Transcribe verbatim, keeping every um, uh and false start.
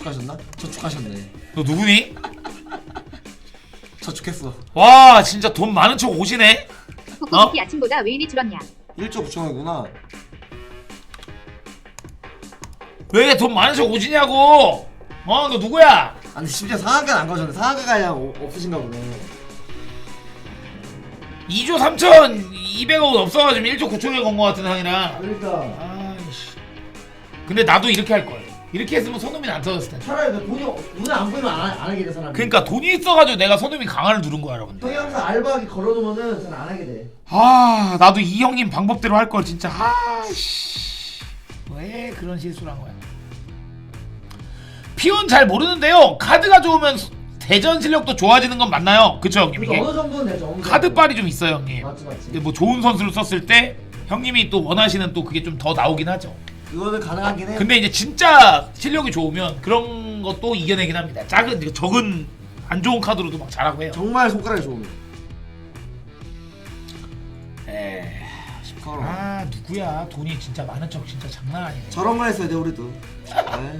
저축하셨나? 저축하셨네. 너 누구니? 저축했어. 와 진짜 돈 많은 척 오시네. 코코미키 아침보다 왜 이리 줄었냐? 일조 구천원이구나. 왜 돈 많은 척 오시냐고. 어 너 누구야? 아니 심지어 상한가는 안 가졌네. 상한가가 그냥 오- 없으신가 보네. 이조 삼천이백억 없어가지고 일조 구천에 건 거 같은 상이랑. 그러니까 아이씨. 근데 나도 이렇게 할 걸. 이렇게 했으면 손흥민 안 터졌을 텐데. 차라리 그 돈이 눈에 안 보이면 안, 안 하게 돼 사람이. 그러니까 돈이 있어가지고 내가 손흥민 강화를 누른 거야 여러분들. 형이 항상 알바하기 걸어놓으면은 잘 안 하게 돼. 아 나도 이 형님 방법대로 할 걸 진짜. 아씨 왜 그런 실수를 한 거야. 피온 잘 모르는데요. 카드가 좋으면 대전 실력도 좋아지는 건 맞나요? 그쵸 형님 이게? 그래서 어느 정도는 되죠. 어느 정도. 카드빨이 좀 있어요 형님. 맞지 맞지. 근데 뭐 좋은 선수를 썼을 때 형님이 또 원하시는 또 그게 좀 더 나오긴 하죠. 그거는 가능하긴 해. 근데 이제 진짜 실력이 좋으면 그런 것도 이겨내긴 합니다. 작은 적은 안 좋은 카드로도 막 잘하고 해요. 정말 손가락이 좋으면. 에이, 십팔 원. 아 누구야? 돈이 진짜 많은 척 진짜 장난 아니네. 저런 거 했어야 돼 우리도. 에이.